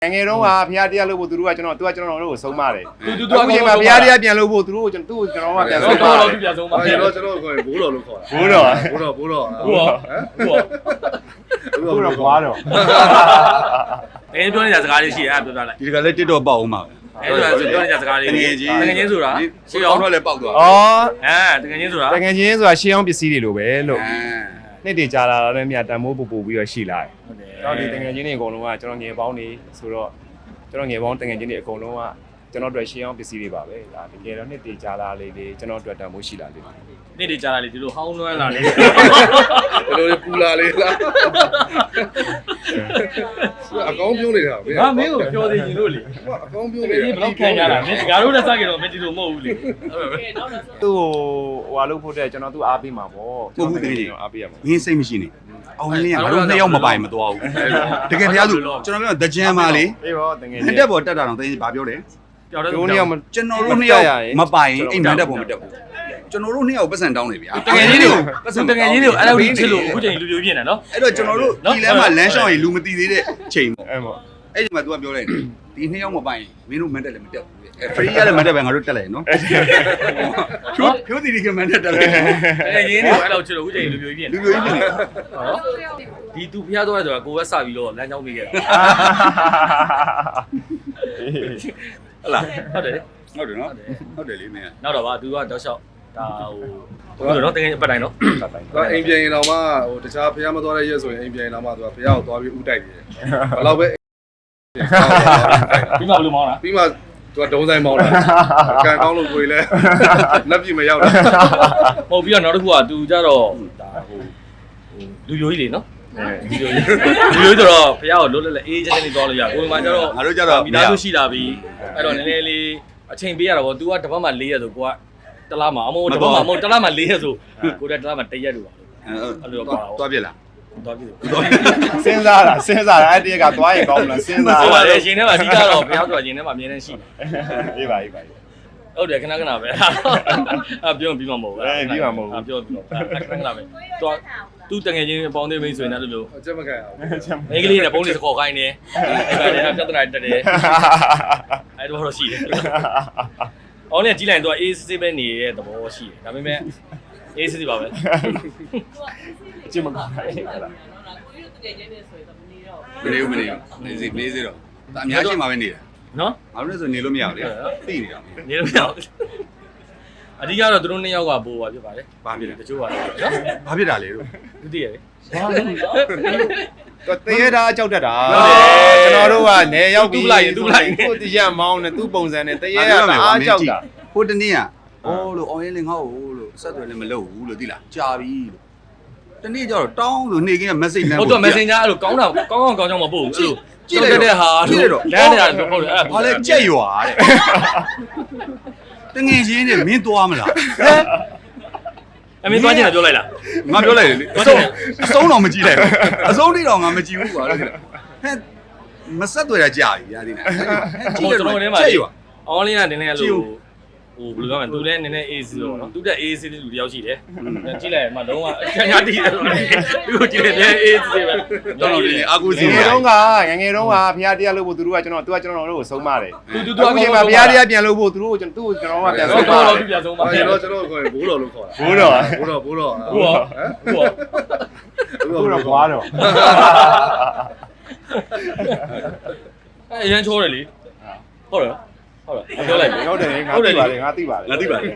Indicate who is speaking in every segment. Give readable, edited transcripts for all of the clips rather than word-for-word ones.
Speaker 1: ငယ်တော့ကဖျားတရားလို့ဖို့သူတို့ကကျွန်တော်တို့ကိုဆုံးမတယ်သူကဖျားတရားပြန်လို့ဖို့သူတို့ကိုကျွန်တော်ကပြန်ဆုံးမတယ်
Speaker 2: ပြန်ဆုံးမတယ်ကျွန်တော်ခေါ်ဘိုးတော်လို့ခေါ်တာ
Speaker 1: ဘိုးတော်
Speaker 2: ဘိုးတော်
Speaker 1: ဟမ်ဘိုးတော်ဘွားတော်
Speaker 3: ပြောနေတဲ့စကားလေးရှိတယ်အဲ့ပြောပြလိုက်
Speaker 4: ဒီကလည်းတစ်တော့ပေါက်အောင်ပါပဲ
Speaker 3: အဲ့ဒါဆိုပြောနေတဲ့စကားလေးတကယ်ချင်းဆိုတာ
Speaker 4: ရှေ့အောင်တော့လည်းပေါက်သွား
Speaker 3: တကယ်ချင်းဆိုတာ
Speaker 1: ရှေးအောင်ပစ္စည်းတွေလိုပဲလို့နှစ်တည်ကြာလာတော့မြတ်တန်မိုးပို့ပြီးတော့ရှိလာတယ်ဟုတ်တယ်ကျွန်တော်ဒီတကယ်ချင်းတွေအကုန်လုံးကကျွန်တော်ငယ်ပေါင်းနေဆိုတော့ကျွန်တော်ငယ်ပေါင်းတကယ်ချင်းတွေအကုန်လုံးကကျွန်တော်တို့ရှေးအောင်ပစ္စည်းတွေပါပဲဒါတကယ်တော့နှစ်တည်ကြာလာလေးလေးကျွန်တော်တို့တန်မိုးရှိလာလေး
Speaker 3: နှစ်တည်ကြာလာလေးဒီလိုဟောင်းလွှမ်းလာလေး
Speaker 2: ဒီလိုပူလာလေးလားအကောင်းပြုံးနေတာဗျ
Speaker 3: ာမင်းကိုပြောသေးရင်လို့လေ
Speaker 2: အကောင်းပြုံးနေတာ
Speaker 3: ဘယ်လောက်ခံရတာမင်းငါတို့လည်းစကြတော့မင်းဒီလိုမဟုတ်ဘူးလေ
Speaker 1: သူ့ဟိုလုပ်ဖို့တဲ့ကျွန်တော်သူ့အားပေးမှာပေါ့
Speaker 4: ကိုဘူးတကယ်
Speaker 1: အားပေးရမှာ
Speaker 4: မင်းစိတ်မရှိနဲ့အောင်လင်းကငါတို့နှစ်ယောက်မပိုင်မသွားဘူးတကယ်ဖျားသူကျွန်တော်ပြောတကြံပါလေ
Speaker 1: အေးပေါ့တကယ်
Speaker 4: နှစ်တက်ပေါ်တက်တာတော့တင်းဘာပြောလဲ
Speaker 1: ကျွန်တော်တို့နှစ်ယောက်
Speaker 4: ကျွန်တော်တို့နှစ်ယောက်မပိုင်အိမ်မန်တက်ပေါ်မတက်ဘူးကျွန်တော်တို့နှစ်ယောက်ပတ်စံတောင်းနေဗျာ
Speaker 3: တကယ်ကြီးတွေကိုအဲ့လိုချစ်လို့အခုချိန်လူပြိုးပြင်းတယ်နော်
Speaker 4: အဲ့တော့ကျွန်တော်တို့ဒီလမ်းမှာလမ်းလျှောက်ရင်လူမသိသေးတဲ့ချိန်ပေါ့
Speaker 1: အဲ့ပေါ့
Speaker 4: အဲ့ဒီမှာ तू ကပြောလိုက်တယ်ဒီနှစ်ယောက်မပိုင်မင်းတို့မန်တက်လည်းမတက်ဘူးအဲ့ free ရလည်းမန်တက်ပဲငါတို့တက်လိုက်နော်ဖြိုးတီဒီကမန်တက်တယ်
Speaker 3: တကယ်ကြီးတွေကိုအဲ့လိုချစ်လို့အခုချိန်လူပြိုးပြင်း
Speaker 4: လူပြိုးပြင်း
Speaker 3: ဒီသူဖျားသွားတယ်ဆိုတာကိုယ်ပဲစပြီးတော့လမ်းကြောင်းပေးခဲ့တာဟုတ်လားဟုတ်တယ်
Speaker 4: ဟုတ်တယ်နော်ဟုတ်တယ်လေးမင်း
Speaker 3: နောက်တော့ဗာ तू ကတော့လျှောက်ဒါဟိုတော့တကယ်ပတ်တိုင်းနော်
Speaker 2: အိမ်ပြန်ရင်တော့မှဟိုတခြားဖះမသွားတဲ့ရက်ဆိုရင်အိမ်ပြန်ရင်တော့မှသူကဖះကိုသွားပြီးဥတိုက်တယ်ဘယ်တော့ပဲ
Speaker 3: ပြီးမှဘယ်လိုမောင်းတာ
Speaker 2: ပြီးမှသူကဒုံးဆိုင်မောင်းတာကန်ကောင်းလို့ကိုယ်လည်းလက်ပြမရောက်တာ
Speaker 3: မဟုတ်ပြီးတော့နောက်တစ်ခုက तू ကြတော့ဒါဟိုလူယိုကြီးလေနော်လူယိုဆိုတော့ဖះကိုလွတ်လပ်အေးချက်နဲ့သွားလို့ရကိုယ်မှကျတော့
Speaker 4: ငါတို့ကြတော့
Speaker 3: မိသားစုရှိလာပြီအဲ့တော့နည်းနည်းလေးအချိန်ပေးရတာပေါ့ तू ကတစ်ပတ်မှ4ရက်ဆိုကိုကတလားမှာအမို့တစ်ပတ်မှမဟုတ်တလားမှ4ရက်ဆိုကိုတလားမှ1ရက်လို့ပါအဲ့လိုပါ
Speaker 4: သွားပြက်လား
Speaker 3: သွားပြည့်
Speaker 1: စဉ်းစားတာအဲ့တရက်ကသွားရင်ကောင်းမလားစဉ်းစား
Speaker 3: ဟုတ်ပါတယ်ရှင်ထဲမှာအဓိကတော့ဘယ်ရောက်ဆိုတာရှင်ထဲမှာအမြဲတမ်းရှိ
Speaker 1: အေးပါ
Speaker 3: ဟုတ်တယ်ခဏပဲပြောပြီးမှမဟုတ်ဘူး
Speaker 1: ပြီးမှမဟုတ်ဘူး
Speaker 3: ပြောပြီးတော့ခဏပဲသူတငယ်ချင်းအပေါင်းသေးမိတ်ဆိုရင်လည်းလို့
Speaker 2: အချက်မခံအောင်
Speaker 3: မိန်းကလေးနဲ့ပုံးလေးစခေါ်ခိုင်းနေအဲ့ဒါပြဿနာတက်တယ်အဲ့တော့ရှိတယ်အောင်လည်းကြီးလိုက်တော့ AC ပဲနေတဲ့သဘောရှိတယ်ဒါပေမဲ့ AC ပါပဲ
Speaker 1: အချင်းမကောင်း
Speaker 4: ဘူးကိုကြီးတို့တကယ်ချင်းနေဆိုရင်တော့မနေတော့ဒါအများကြီးမှာပဲနေတယ်
Speaker 3: နော်
Speaker 4: ငါတို့လည်းဆိုနေလို့မရဘူးလေသိနေတာ
Speaker 3: နေလို့မရဘူးအဓိကတော့သူတို့နှစ်ယောက်ကပိုးပါဖြစ်ပါတယ်
Speaker 4: ဘာဖြစ်လဲ
Speaker 3: တချို့ကနော်
Speaker 4: ဘာဖြစ်တာလဲတို့
Speaker 3: သူသိရတယ်
Speaker 1: တရေတာကြောက်တတ်တာကျွန်တော်တို့ကနေရောက်ပြီးသူ့တရားမောင်းနဲ့သူ့ပုံစံနဲ့တရေကအားကြောက်တာ
Speaker 4: ဟိုတနေ့ကအိုးလို့အောင်ရင်လည်းငါ့ကိုလို့ဆက်သွယ်လည်းမလုပ်ဘူးလို့သိလားကြာပြီလို့တနေ့ကျတော့တောင်းဆိုနေကင်းက message လမ်း
Speaker 3: ဟုတ်တော့ messenger အဲ့လိုကောင်းတာကောင်းမပို့ဘူးအဲ့လိုကြည့်လိုက်တဲ့ဟာလို့လမ်းနေတာလို့ဟုတ်တယ်အဲ့
Speaker 4: ဘာလဲကြက်ရွာတဲ့တငယ်ချင်းနဲ့မင်းသွားမလား
Speaker 3: အမေသွားချင်တယ်ပြောလိုက်လား
Speaker 4: ငါပြောလိုက်တယ်လေအဆုံးတော့မကြည့်လိုက်ဘူးအဆုံးတိတော့ငါမကြည့်ဘူးကွာဟဲ့မဆက်သွယ်တာကြာပြီရာဒီနဲ့
Speaker 3: ကြည့်တယ်ကျွန်တော်ထဲမှာအော်လင်းကနည်းနည်းလို့ဟိုဘယ်လိုပြောမလဲသူလည်းနည်းနည်း AC လို့နော်သူတက် AC တဲ့လူတယောက်ရှိတယ်ကြည့်လိုက်မှလုံးဝအချမ်းတီးတယ်သူကိုကြည့်တယ် AC ပဲ
Speaker 4: တော်တော်လေးအာကူစီ
Speaker 1: ငယ်တုန်းကဖျားတရားလို့ဖို့သူတို့ကကျွန်တော်တို့ကိုဆုံးမတယ်သူအခုချိန်မှာဖျားတရားပြန်လို့ဖို့သူတို့ကျွန်တော်ကပြန်ဆုံးမတယ်
Speaker 3: ပြန်ဆုံးမတယ်
Speaker 2: ကျွန်တော်ခေါ်ဘိုးတော်လို့ခေါ်တာ
Speaker 1: ဘိုးတော်
Speaker 3: ဟမ်
Speaker 1: ဘိုးတော်
Speaker 3: ဘွားတော်အရင်ချိုးတယ်လေဟုတ်တယ်ပြောလိုက်
Speaker 1: ဟုတ်တယ်ငါသိပါတယ်
Speaker 4: ငါသိပါတယ်
Speaker 1: မင်း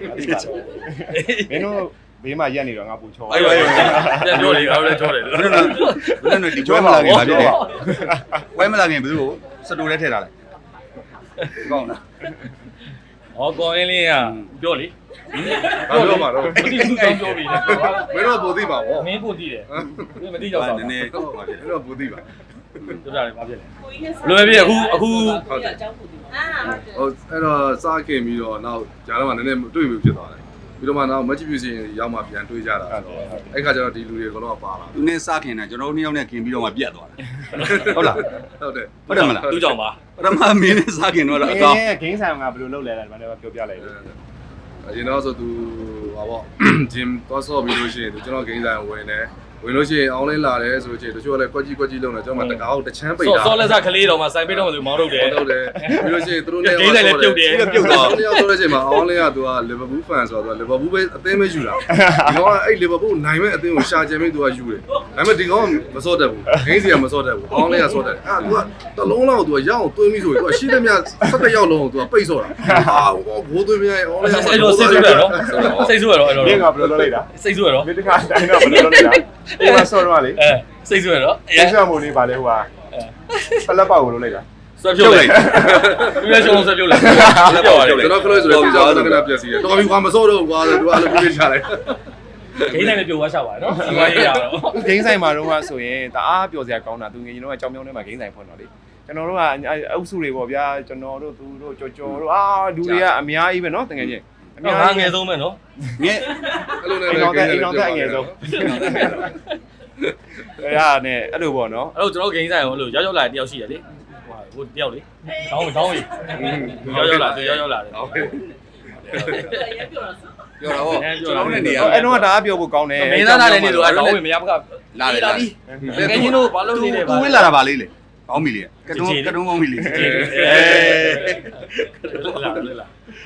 Speaker 1: တို့ဘေးမှာရက်နေတော့ငါပူချော
Speaker 3: အဲ့ပြန်ပြောလေငါတို့လည်းချောတယ်
Speaker 4: ဘယ်နဲ့ဒီချောမလာခင်ဘာဖြစ်လဲဝဲမလာခင်ဘယ်သူကိုစတူထဲထည့်ထားလိုက်ကောင်းလား
Speaker 3: ဟောကောင်းလေးကပြောလေ
Speaker 2: ပြောမှာတော့
Speaker 3: မသိဘူးပြောပြီ
Speaker 2: မင်းတို့ပိုသိပါဗော
Speaker 3: မင်းပိုသိတယ်မသိကြတော့
Speaker 4: နည်းနည်း
Speaker 2: မင်းတို့ပိုသိပါ
Speaker 3: တို့တာလည်းဘာဖြစ်လဲလွယ်ပြီအခု
Speaker 2: ဟုတ်တယ်အကြောင်းပိုသိပါဟိုအဲ့တော့စားခင်ပြီးတော့နောက်ဂျာတော့မှနည်းနည်းတွေ့ပြီဖြစ်သွားတယ်ပြီးတော့မှနောက် match ပြုစီရောက်မှပြန်တွေ့ကြတာဆိုတော့အဲ့ခါကျတော့ဒီလူတွေကတော့ပါလာ
Speaker 4: သူနဲ့စခင်တာကျွန်တော်တို့နှစ်ယောက်နဲ့ခင်ပြီးတော့မှပြတ်သွားတယ်ဟုတ်လား
Speaker 2: ဟုတ်တယ်
Speaker 4: ဟုတ်တယ်မလား
Speaker 3: သူ့ကြောင့်ပါ
Speaker 4: ပထမမင်းနဲ့စခင်တော့
Speaker 1: အကောင်းဂိမ်းဆိုင်ကဘယ်လိုလုပ်လဲလဲဒီမှာလည်းပြောပြလိုက်တယ်
Speaker 2: အရင်တော့ဆိုသူဟာပေါ့ဂျင်သွားဆော့ပြီးလို့ရှိရင်သူကျွန်တော်ဂိမ်းဆိုင်ဝင်တယ်ဝဝင်လို့ရှိရင် online လာတယ်ဆိုလို့ရှိရင်တချို့ကလည်းကွက်ကြီးလုံးတယ်ကျွန်တော်မှတကားကိုတချမ်းပိတ်တာ
Speaker 3: စောလက်စကလေးတော်မှာစိုင်ပိတ်တော့မှဆိုမောင်းထုတ်တယ်
Speaker 2: ဟုတ်တယ်ပြီးလို့ရှိရင်သူတို့နဲ့
Speaker 3: ဂိမ်းဆိုင်လည်းပြုတ်တယ်
Speaker 2: ပြုတ်သွားတယ်ဆိုလို့ရှိရင် online ကသူက Liverpool fan ဆိုတော့ Liverpool ပဲအသင်းပဲယူတာဒီကောင်ကအဲ့ Liverpool နိုင်မဲ့အသင်းကိုရှာကြံပြီးသူကယူတယ်ဒါပေမဲ့ဒီကောင်ကမစော့တတ်ဘူးဂိမ်းစီကမစော့တတ်ဘူး online ကစော့တတ်တယ်သူကတလုံးလောက်သူကရအောင်သွင်းပြီးဆိုရင်သူကရှိသမျှ17ရောက်လုံးကိုသူကပိတ်စော့တာဘိုးသွင်းပြရဲ့ online က
Speaker 3: အဲ့လိုစိတ်ဆိုးရတော့စိတ်ဆိုးရတော့အဲ့လို
Speaker 1: မင်းကဘယ်လိုလုပ်လိုက်တာ
Speaker 3: စိတ်ဆိုးရတော့
Speaker 1: မင်းတခါတိုင်းတော့ဘယ်လိုလုပ်လိုက်တာဒီမှာဆော့တော့လေ
Speaker 3: စိတ်ဆိုးရတော့
Speaker 1: ရင်းချမို့လေးပါလေဟိုဟာပလက်ပေါက်ကိုလုပ်လိုက်တာ
Speaker 3: ဆွဲပြုတ်လိုက်သူလည်းရှုံးဆွဲပြုတ်လိုက်ပြောရတယ်
Speaker 2: ကျွန်တော်ခလို့ဆိုတော့ဒီကြောင်ကပြက်စီတယ်တော်ပြီကွာမစော့တော့ကွာဆိုတော့အဲ့လိုပြေးချလိုက်
Speaker 3: ဂိမ်းဆိုင်လည်းပြုတ်သွားချပါနော်ဒီမှာရေးရတော့
Speaker 1: ဂိမ်းဆိုင်မှာတော့ဆိုရင်တအားပျော်စရာကောင်းတာသူငယ်ချင်းတို့ကကြောင်မြောင်းထဲမှာဂိမ်းဆိုင်ဖွင့်တော့လေကျွန်တော်တို့ကအုပ်စုတွေပေါ့ဗျာကျွန်တော်တို့သူတို့ကြော်တို့လူတွေကအများကြီးပဲเนาะတကယ်ချင်းအများ
Speaker 3: ငါ
Speaker 1: ကြီး
Speaker 3: ငယ်ဆုံးပဲနော်
Speaker 4: ငယ်
Speaker 2: အဲ့လိုနဲ့
Speaker 1: အိမ်တော်တဲ့အငယ်ဆုံးအဲ့ဒါနဲ့အဲ့လိုပေါ့เนาะ
Speaker 3: အဲ့တော့ကျွန်တော်ဂိမ်းဆိုင်ကိုအဲ့လိုရောက်လာတယောက်ရှိတယ်လေဟိုတယောက်လေတောင်းကြီးရောက်လာသူရောက်လာတယ်
Speaker 4: ပြောတာဟောကျွန်တော်နဲ့နေရ
Speaker 1: အဲ့တော့ဒါအပြောဖို့ကောင်းတယ်
Speaker 3: မင်းသားလာတဲ့နေ့ဆိုတော့တောင်းဝင်မရမက
Speaker 4: လာတယ်လာပြီ
Speaker 3: ငယ်ချင်းတို့ဘာလို့နေလဲ
Speaker 4: သူဝင်းလာတာပါလေးလေကောင်းပြီလေကတုံးကောင်းပြီလေ
Speaker 3: လာလာ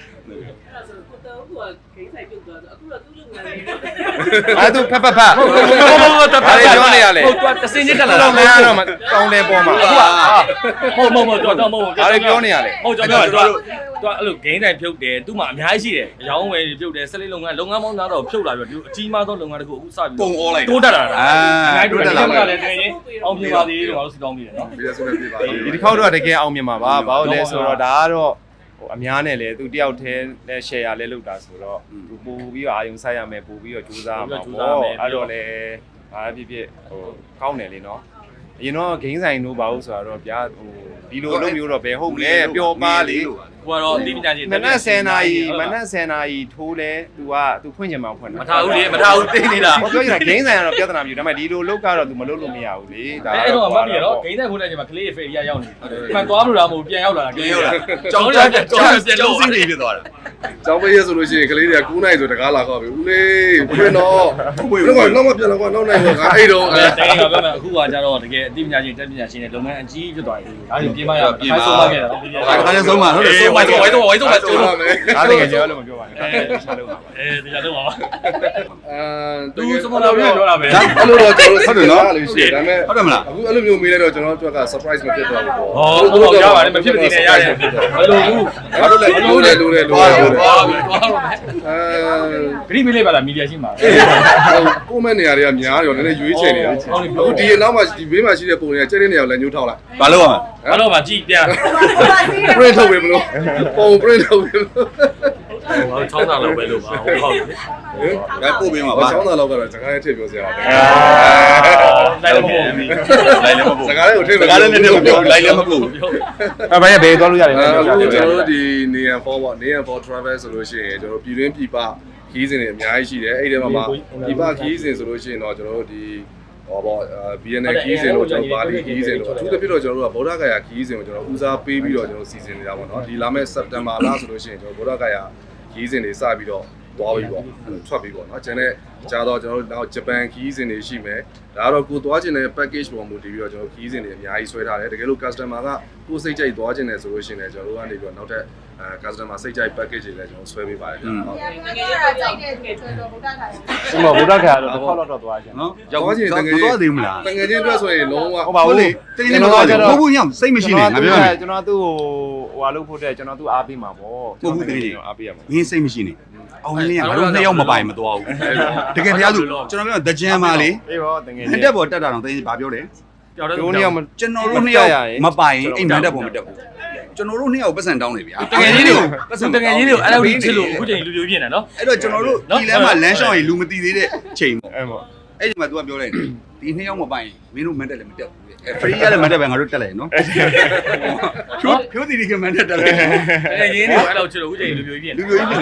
Speaker 1: အဲ့သူဖက်ဟုတ်ပြောနေရလေ
Speaker 3: ဟုတ်တော့တစင်းချင်းတက်လာ
Speaker 1: တော့မရတော့ကောင်းတယ်ပေါ်မှာအခုက
Speaker 3: မဟုတ်တော့မဟုတ်
Speaker 1: ဒါတွေပြောနေရလေ
Speaker 3: ဟုတ်ကျွန်တော်တို့အဲ့လိုဂိမ်းတိုင်းဖြုတ်တယ်သူ့မှာအများကြီးရှိတယ်အယောင်းဝယ်ဖြုတ်တယ်ဆက်လေးလုပ်ငန်းပေါင်းသားတော့ဖြုတ်လာပြီးတော့အကြီးမားသောလုပ်ငန်းတစ်ခုအခုစပြီး
Speaker 4: ပုံအောလိုက်
Speaker 3: တိုးတက်လာတာ
Speaker 4: တိုးတက်လာ
Speaker 3: တာလည်းတကယ်ချင်းအောင်ပြပါသေးတယ်ငါတို့စီကောင်းပြီနော်
Speaker 2: ပြီးရဆုံးပြပါ
Speaker 1: ဒီတစ်ခေါက်တော့တကယ်အောင်မြင်မှာပါဘာလို့လဲဆိုတော့ဒါကတော့ဟိုအများနဲ့လေသူတယောက်တည်းနဲ့ share လဲလုပ်တာဆိုတော့သူပို့ပြီးတော့အာယုံဆိုင်ရမယ်ပို့ပြီးတော့ကြိုးစားရမှာပေါ့အဲ့တော့လေဘာဖြစ်ဖြစ်ဟိုကောင်းတယ်လေနော်အရင်တော့ဂိမ်းဆိုင်တို့ပါလို့ဆိုတော့ဗျာဟိုဒီလိုလုပ်မျိုးတော့ဘယ်ဟုတ်လဲပျော်ပါလေ
Speaker 3: ကိုကတော့အတိပညာရှင်
Speaker 1: မနက်10နာရီထိုးလဲ तू ဖွင့်ချင်မှဖွင့်တာ
Speaker 3: မထားဘူးလေမထားဘူးသိနေတာ
Speaker 1: ဟောပြောချင်တာဂိမ်းဆိုင်ကတော့ပြဿနာမျိုးဒါပေမဲ့ဒီလိုလုပ်ကတော့ तू မလုပ်လို့မရဘူးလေဒါ
Speaker 3: အဲ့တော့အမှတ်ပြီနော်ဂိမ်းတိုင်းဖို့တဲ့ချိန်မှာကလေးဖေးရရောက်နေမှန်သွားလို့လားမဟုတ်ပြန်ရောက်လာတာကလေးရောက်လာ
Speaker 4: ကျောင်းစီးနေဖြစ်သွားတာ
Speaker 2: ကျောင်းပေးရဆိုလို့ရှိရင်ကလေးတွေက9နိုင်ဆိုတကားလာခေါ်ပြီဦးလေးဖွင့်တော့ဖွင့်တော့နောက်မှပြန်လာကွာနောက်နိုင်ကွာငါအဲ့တော့
Speaker 3: တိုင်ကပြောမယ်အခုကကြတော့တကယ်အတိပညာရှင်တက်ပညာရှင်နဲ့လုပ်ငန်းအကြီးဖြစ်သွားပြီဒါကြီးပြင်မရပြင်ဆုံးသွားခဲ့တာ
Speaker 4: ဒါကလည်းဆုံးမှာဟုတ်တယ်ဆုံးမှာ
Speaker 3: ဝိုင်းတော့ကျိုးလို့
Speaker 1: ဒါတကယ်ကြောလို့မပြောပါနဲ့ဆက်လုပ်ပါ
Speaker 3: တရားလုံးပါ
Speaker 2: သူ
Speaker 3: သူစမလာပြောတာပဲ
Speaker 2: အဲ့လိုတော့ကျွန်တော်ဟုတ်တယ်နော်လို့ရှိတယ်ဒါပေမဲ့
Speaker 4: ဟုတ်တယ်မလား
Speaker 2: အခုအဲ့လိုမျိုးမေးလိုက်တော့ကျွန်တော်တို့က surprise မဖြစ်တော့ဘူးပေါ့
Speaker 3: ဟောတော့ရပါတယ်မဖြစ်မနေနဲ့ရတယ်ဘယ်လိုဘူး
Speaker 2: ဘာလို့လဲလိုတယ်လိုတယ်လိုတယ်
Speaker 3: သွားပြီသွားတော့မယ်
Speaker 2: အဲ
Speaker 3: ဂရိမေးလေးပါလားမီဒီယာရှိမှာ
Speaker 2: ကိုမဲ့နေရာတွေကများတယ်နည်းနည်းရွေးချယ်နေတာအခုဒီနောက်မှာဒီဘေးမှာရှိတဲ့ပုံတွေကကျဲတဲ့နေရာကိုလည်းညှိုးထောက်လိုက်
Speaker 4: ဘာလို့ရမလဲ
Speaker 3: ဘာလို့မှကြည့်ပြန်
Speaker 2: print ထုတ်ပေးမလို့ပုံ print ထုတ်ပေးမလို့
Speaker 3: ဟောချောင်းတာလောက်ပဲလို့ပါဟုတ်ဟုတ်
Speaker 4: ဒါပို့ပေးမှာ
Speaker 2: ဘာ
Speaker 4: ပါ
Speaker 2: ချောင်းသားလောက်ကတော့စကားနဲ့ထည့်ပြောစရာပါ
Speaker 3: လိုက်လို့မဟုတ်ဘူး
Speaker 4: လိုက်လည်းမပို့
Speaker 2: စကားလေးကိုထည့်
Speaker 4: စကားလည်းနဲ့ပြောလိုက်လည်းမပို့
Speaker 1: အဲ့ဘာရဲ့ဘယ်သွားလို့ရတယ်လဲ
Speaker 2: အခု
Speaker 1: ပြောပြ
Speaker 2: ကျွန်
Speaker 1: ပြ
Speaker 2: တော်တို့ဒီ Neon 4ပေါ့ Neon 4 travel ဆိုလို့ရှိရင်ကျွန်တော်ပြည်တွင်းပြည်ပခီးစဉ်တွေအများကြီးရှိတယ်အဲ့ဒီထဲမှာပြည်ပခီးစဉ်ဆိုလို့ရှိရင်တော့ကျွန်တော်တို့ဒီဟောပေါ့ BNN ခီးစဉ်တို့ကျွန်တော်ပါလီခီးစဉ်တို့အထူးသဖြင့်တော့ကျွန်တော်တို့ကဗုဒ္ဓဂယာခီးစဉ်ကိုကျွန်တော်ဦးစားပေးပြီးတော့ကျွန်တော်စီစဉ်နေတာပေါ့နော်ဒီလာမယ့် September လဆိုလို့ရှိရင်ကျွန်တော်ဗုဒ္ဓဂယာခီးစဉ်တွေစပြီးတော့သွားပြီပေါ့ထွက်ပြီပေါ့နော်ကျန်တဲ့ကြားတော့ကျွန်တော်တို့နောက်ဂျပန်ခီးစဉ်တွေရှိမယ်ဒါကတော့ကိုသွားခြင်းတဲ့ package ပေါ်မူတည်ပြီးတော့ကျွန်တော်ခီးစဉ်တွေအများကြီးဆွဲထားတယ်တကယ်လို့ customer ကကိုစိတ်ကြိုက်သွားခြင်းတယ်ဆိုလို့ရှိရင်လည်းကျွန်တော်တို့ကနေပြီးတော့နောက်ထပ်customer စိတ်ကြိုက် package တွေလည်းကျွန်တော်ဆွဲပေးပါတယ်ဟုတ်
Speaker 5: ငယ်တော့ကြိုက်တဲ့ကျွဲတော်ဗုဒ္ဓခါရ
Speaker 1: ဒီမှာဗုဒ္ဓခါကတော့တစ်ခေါက်တော့သွားကြတယ်
Speaker 4: နော်ရောက်ချင်းတကယ်တော့သေးမလား
Speaker 2: တကယ်ချင်းအတွက်ဆိုရင်လုံးဝ
Speaker 1: ဟုတ်ပါဘူးလေ
Speaker 4: တကယ်တော့ဘိုးဘုံညောင်စိတ်မရှိနဲ့ငါပြောမယ်
Speaker 1: ကျွန်တော်သူ့ဟိုဟာလုပ်ဖို့တဲ့ကျွန်တော်သူ့အားပေးမှာပေါ့အားပေးရမှာ
Speaker 4: ငင်းစိတ်မရှိနဲ့အောင်လင်းကငါတို့နှစ်ယောက်မပိုင်မသွားဘူးတကယ်တရားသူကျွန်တော်ပြောတကြံပါလေ
Speaker 1: အေးပေါ့တကယ်
Speaker 4: မန်တက်ပေါ်တက်တာတော့တင်းဘာပြောလဲ
Speaker 3: ကြောက်တယ်
Speaker 1: တို့နှစ်ယောက်
Speaker 4: ကျွန်တော်တို့နှစ်ယောက်မပိုင်အိမ်မန်တက်ပေါ်မတက်ဘူးကျွန်တော်တို့နှစ်ယောက်ပတ်စံတောင်းနေဗျာ
Speaker 3: တကယ်ကြီးတွေကိုအဲ့လိုချစ်လို့အခုချိန်လူပြိုပြင်းနေနော်
Speaker 4: အဲ့တော့ကျွန်တော်တို့ဒီလမ်းမှာလမ်းလျှောက်ရင်လူမသိသေးတဲ့ချိန်ပေါ့
Speaker 1: အဲ့ပေါ့
Speaker 4: အဲ့ဒီမှာ तू ကပြောလိုက်တယ်ဒီနှစ်ယောက်မပိုင်မင်းတို့မန်တက်လည်းမတက်ဘူးအဲဖရီးရလည်းမတက်ပဲငါတို့တက်လိုက်နော်ဖြိုးတီဒီကမန်တက်တက်လိုက်
Speaker 3: တကယ်ကြီးတွေကိုအဲ့လိုချစ်လို့အခုချိန်လူပြိုပြင်း
Speaker 4: လူမျိုးကြီးနေ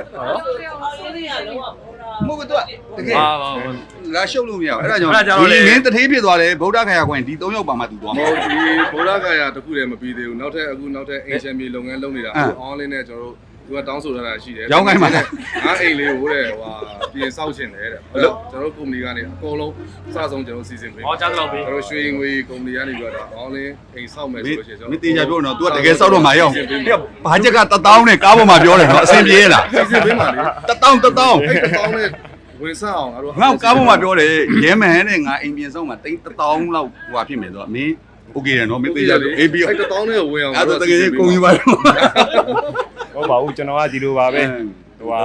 Speaker 5: ဟုတ်
Speaker 4: မဟုတ်ဘူး तू တကယ်
Speaker 3: ဟာ
Speaker 4: လာရှုပ်လို့မရဘူးအဲ့ဒါကြောင့်ဒီမင်းတထေးဖြစ်သွားတယ်ဗုဒ္ဓခါရခွင်ဒီ၃ယောက်ပါမှ तू သွား
Speaker 2: မ
Speaker 4: မှာ
Speaker 2: ဟုတ်ဒီဗုဒ္ဓဂယာတခုတည်းမပြီးသေးဘူးနောက်ထပ်အခုနောက်ထပ် ancient မြေလုပ်ငန်းလုပ်နေတာအခု online နဲ့ကျွန်တော်တို့သူကတောင်းဆိုရတာရှိတယ်
Speaker 4: ရောင်းခိုင်းပါ
Speaker 2: ငါအိမ်လေးကိုတဲ့ဟိုပြင်ဆောက်ချင်တယ်တဲ့ဟုတ်လို့ကျွန်တော်ကုမ္ပဏီကနေအကုန်လုံးစဆုံးကျွန်တော်စီစဉ်ပေး
Speaker 3: ဟောကြားတော့ပြီ
Speaker 2: ကျွန်တော်ရွှေငွေကုမ္ပဏီကနေပြီးတော့အောင်းလင်းအိမ်ဆောက်မယ်ဆိုလို့ရှိရင်ကျွန်
Speaker 4: မ
Speaker 2: တော်
Speaker 4: င်းတေချာပြောတော့ तू ကတကယ်စောက်တော့မှာရောက်ဘာချက်က1000နဲ့ကားပေါ်မှာပြောတယ်နော်အဆင်ပြေလား
Speaker 2: စီစဉ်ပေးပါလေ
Speaker 4: 1000
Speaker 2: အဲ့တောင်းနဲ့ဝင်စားအောင်ငါတို့
Speaker 4: ငါကားပေါ်မှာပြောတယ်ရဲမန်နဲ့ငါအိမ်ပြင်ဆောင်မှာ1000လောက်ဟိုဖြစ်မယ်ဆိုတော့မင်းโอเคတယ်နော်မင်းတေချာပြောအေးပြီး
Speaker 2: အဲ့တောင်းနဲ့ဝင်အောင်
Speaker 4: အဲ့တော့တကယ်ကုန်ယူပါတော့
Speaker 1: ဟုတ်ပါဘူးကျွန်တော်ကဒီလိုပါပဲဟို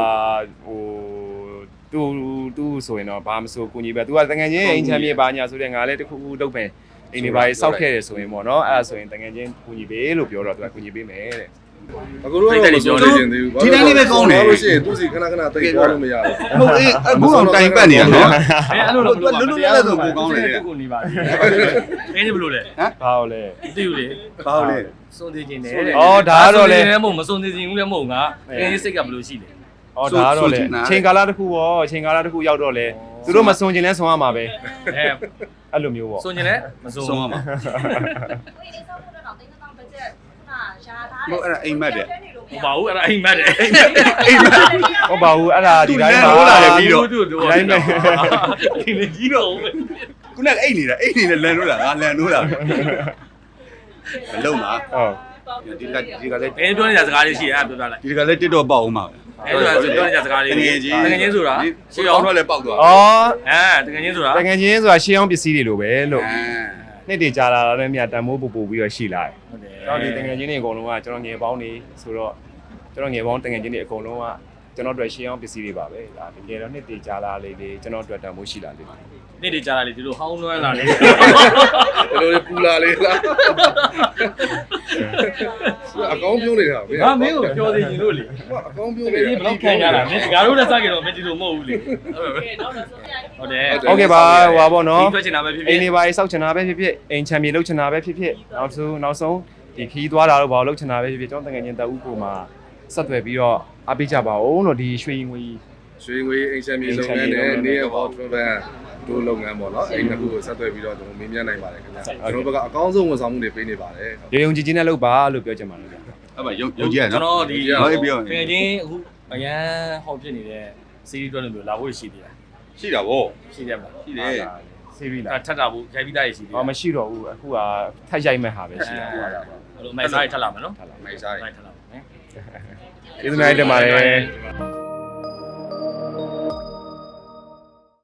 Speaker 1: သူဆိုရင်တော့ဘာမဆိုကိုကြီးပဲသူကတကယ်ချင်းအိမ်ချမ်းမြေပါညာဆိုတဲ့ငါလည်းတခုခုလုပ်ပဲအိမ်တွေပါစောက်ခဲ့တယ်ဆိုရင်ပေါ့နော်အဲ့ဒါဆိုရင်တကယ်ချင်းကိုကြီးပဲလို့ပြောတော့သူကကိုကြီးပေးမယ်တဲ့
Speaker 2: အခုတော့ပြောနေချင်သေးဘူးလို့ရှိရင်သူစီခဏခဏတိတ်သွားလို့မရဘူး
Speaker 4: ဟုတ်အေးအခုအောင်တိုင်ပတ်နေတာနော်
Speaker 3: အဲ့လိုတော့
Speaker 4: လွတ်လွတ်လပ်လပ်ဆိုပိုကောင်းတယ်
Speaker 3: ကိုနေပါသေးအင်းဒီဘလို့လဲ
Speaker 1: ဘာလို့လဲ
Speaker 3: မသိဘူးလေ
Speaker 4: ဘာလို့လဲ
Speaker 3: စွန့်သေးခြင်းနဲ့
Speaker 1: အော်ဒါကတော့လေ
Speaker 3: မဟုတ်မစွန့်သေးခြင်းဘူးလည်းမဟုတ်ငါအင်းစိတ်ကဘလို့ရှိလဲ
Speaker 1: အော်ဒါကတော့လေချိန်ကာလတစ်ခုပေါ့ချိန်ကာလတစ်ခုရောက်တော့လေသူတို့မစွန်ကျင်လဲစွန်ရမှာပဲ
Speaker 3: အဲ
Speaker 1: အဲ့လိုမျိုးပေါ့
Speaker 3: စွန့်ခြင်းလည်းမစွန့်
Speaker 4: ဆုံးရမှာ
Speaker 5: ကိုယ်အိမ်ဆောက်ဖို့တော့တင်းတောင်ဘတ်ဂျက်ခုနရှာထားတယ်
Speaker 3: ဟိုပါဘူးအဲ့ဒါအိမ်မက်တယ်
Speaker 1: ဟုတ်ပါဘူးအဲ့ဒါဒီတိုင်းပါ
Speaker 3: ဒီတိုင်းပဲဒီလေကြီးတော့
Speaker 4: ခုနကအိတ်နေတာအိတ်နေနဲ့လန်လို့လားငါလန်လို့လားမလုံပါ
Speaker 1: ဟုတ်
Speaker 4: ဒီကလည်း
Speaker 3: ဘယ်ပြောနေတဲ့စကားလေးရှိအဲ့ပြောပြလိုက်
Speaker 4: ဒီကလည်းတစ်တော့ပေါက်အောင်ပါ
Speaker 3: အဲ့ဒါဆိုပြောနေတဲ့စကားလေး
Speaker 4: တကယ်ချင်း
Speaker 3: တကယ်ချင်းဆိုတာ
Speaker 4: ရှေ့အောင်တော့လည်းပေါက်သွား
Speaker 1: အော်
Speaker 3: တကယ်ချင်းဆိုတာ
Speaker 1: တကယ်ချင်းဆိုတာရှေးအောင်ပစ္စည်းတွေလိုပဲလို့နှစ်တည်ကြာလာတော့မြတ်တန်မိုးပူပူပြီးတော့ရှိလာတယ်
Speaker 3: ဟုတ်တယ်
Speaker 1: ကျွန်တော်ဒီတကယ်ချင်းတွေအကုန်လုံးကကျွန်တော်ငယ်ပေါင်းနေဆိုတော့ကျွန်တော်ငယ်ပေါင်းတကယ်ချင်းတွေအကုန်လုံးကကျွန်တော်တို့ရှေးအောင်ပစ္စည်းတွေပါပဲဒါတကယ်တော့နှစ်တည်ကြာလာလေလေကျွန်တော်တို့တန်မိုးရှိလာလေ
Speaker 3: နေ့တွေကြာလာလေဒီလိုဟောင်းလွှမ်းလာလေ
Speaker 2: ဘယ်လိုပူလာလေးလားအကောင်းပြောနေတာ
Speaker 3: ငါမင်းကိုပြောသေးရင်လို့လေ
Speaker 2: အကောင်းပြော
Speaker 3: တက
Speaker 2: နေ
Speaker 3: ယ်ကြီးဘယ်တော့ခံရတာမင်းငါတို့လည်းစကြတော့မင်းဒီလိုမဟုတ်ဘူးလေဟုတ်တယ်
Speaker 1: โอเคပါဟွာပေါ့နော်
Speaker 3: ဒီထွက်ချင်တာပဲဖြစ်ဖြစ်
Speaker 1: အိမ်နေပါစောက်ချင်တာပဲဖြစ်ဖြစ်အိမ်ချမ်းမြေလုပ်ချင်တာပဲဖြစ်ဖြစ်နောက်ဆုံးဒီခီးသွားတာတော့ဘာလို့လုပ်ချင်တာပဲဖြစ်ဖြစ်ကျွန်တော်တကယ်ချင်းတအူးကိုမှဆက်သွယ်ပြီးတော့အားပေးကြပါဦးလို့ဒီရွှေငွေ
Speaker 2: ရွှေငွေအိမ်ချမ်းမြေလုပ်ငန်းနဲ့နေရပေါ် travel တို့လုပ်ငန်းပေါ့နော်အဲ့နှစ်ခုကိုဆက်သွယ်ပြီးတော့ကျွန်တော်မင်းမြတ်နိုင်ပါတယ်ခင်ဗျာကျွန်တော်ဘက်ကအကောင်းဆုံးဝန်ဆောင်မှုတွေပေးနေပါတယ်
Speaker 1: ရုံကြည်ကြည်နဲ့လုပ်ပါလို့ပြောချင်ပါတယ်ဗျာ
Speaker 4: အဲ့မှာရုပ်ကြီးရ
Speaker 3: ကျွန်
Speaker 4: နော်
Speaker 3: တော်ဒီ
Speaker 4: ဟုတ်ပြော
Speaker 3: တကယ်ချင်းအခုအရန်ဟောဖြစ်နေတဲ့စီးရီးတွဲလို့မျိုးလာဖို့ရှိသေးတယ်
Speaker 4: ရှိတာဗော
Speaker 3: ရှိတယ်မလား
Speaker 4: ရှိတယ်
Speaker 1: ဆေးပြီးလား
Speaker 3: ထပ်တာဘူးရိုက်ပြီးသားရရှိသေးတယ်
Speaker 1: အော်မရှိတော့ဘူးအခုကထက်ရိုက်မဲ့ဟာပဲရှိတာဟွာတာပါ
Speaker 3: အဲ့လိုမိုက်စားရထပ်လာမယ်နော်
Speaker 4: မိုက်စားရ
Speaker 3: မိုက်ထပ်လာမယ်
Speaker 1: ကျေးဇူးများတင်ပါတယ်